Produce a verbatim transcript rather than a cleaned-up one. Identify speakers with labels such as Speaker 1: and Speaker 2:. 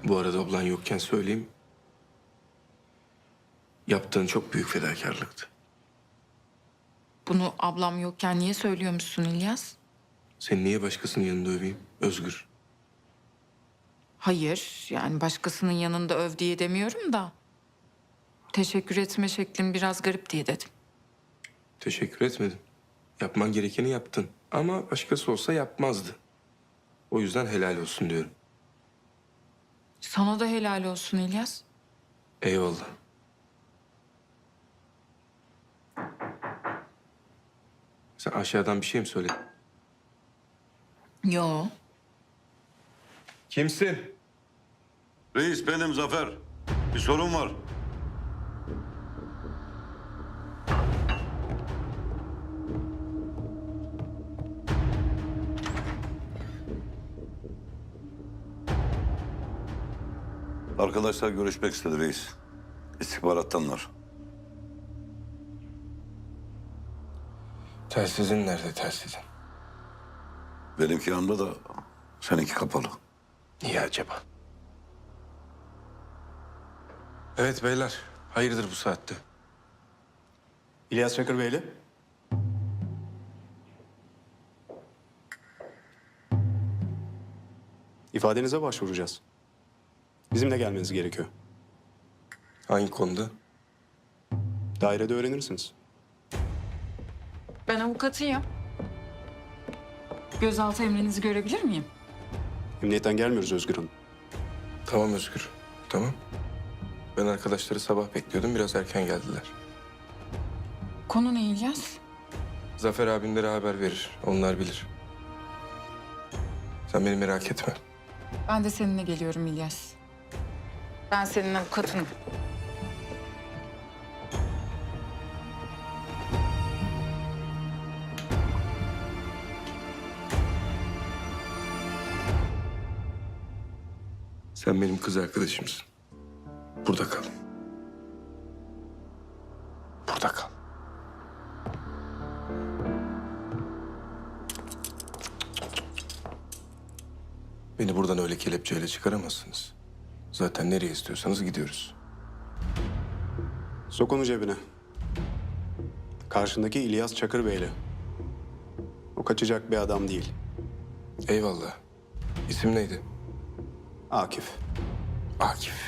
Speaker 1: Bu arada ablan yokken söyleyeyim. Yaptığın çok büyük fedakarlıktı.
Speaker 2: Bunu ablam yokken niye söylüyormuşsun İlyas?
Speaker 1: Seni niye başkasının yanında öveyim? Özgür.
Speaker 2: Hayır, yani başkasının yanında öv diye demiyorum da... ...teşekkür etme şeklin biraz garip diye dedim.
Speaker 1: Teşekkür etmedim. Yapman gerekeni yaptın. Ama başkası olsa yapmazdı. O yüzden helal olsun diyorum.
Speaker 2: Sana da helal olsun İlyas.
Speaker 1: Eyvallah. Sen aşağıdan bir şey mi söyledin?
Speaker 2: Yo.
Speaker 1: Kimsin?
Speaker 3: Reis benim Zafer. Bir sorun var. Arkadaşlar görüşmek istedi reis. İstihbarattanlar.
Speaker 1: Telsizin nerede telsizin?
Speaker 3: Benimki yanımda da seninki kapalı.
Speaker 1: Niye acaba? Evet beyler. Hayırdır bu saatte?
Speaker 4: İlyas Çakır Beyli. İfadenize başvuracağız. Bizimle gelmeniz gerekiyor.
Speaker 1: Hangi konuda?
Speaker 4: Dairede öğrenirsiniz.
Speaker 2: Ben avukatıyım. Gözaltı emrinizi görebilir miyim?
Speaker 4: Emniyetten gelmiyoruz Özgür Hanım.
Speaker 1: Tamam Özgür. Tamam. Ben arkadaşları sabah bekliyordum. Biraz erken geldiler.
Speaker 2: Konu ne İlyas?
Speaker 1: Zafer abinlere haber verir. Onlar bilir. Sen beni merak etme.
Speaker 2: Ben de seninle geliyorum İlyas. Ben senin avukatınım.
Speaker 1: Sen benim kız arkadaşımsın. Burada kal. Burada kal. Beni buradan öyle kelepçeyle çıkaramazsınız. Zaten nereye istiyorsanız gidiyoruz.
Speaker 4: Sok onu cebine. Karşındaki İlyas Çakır Beyli. O kaçacak bir adam değil.
Speaker 1: Eyvallah. İsim neydi?
Speaker 4: Akif.
Speaker 1: Akif.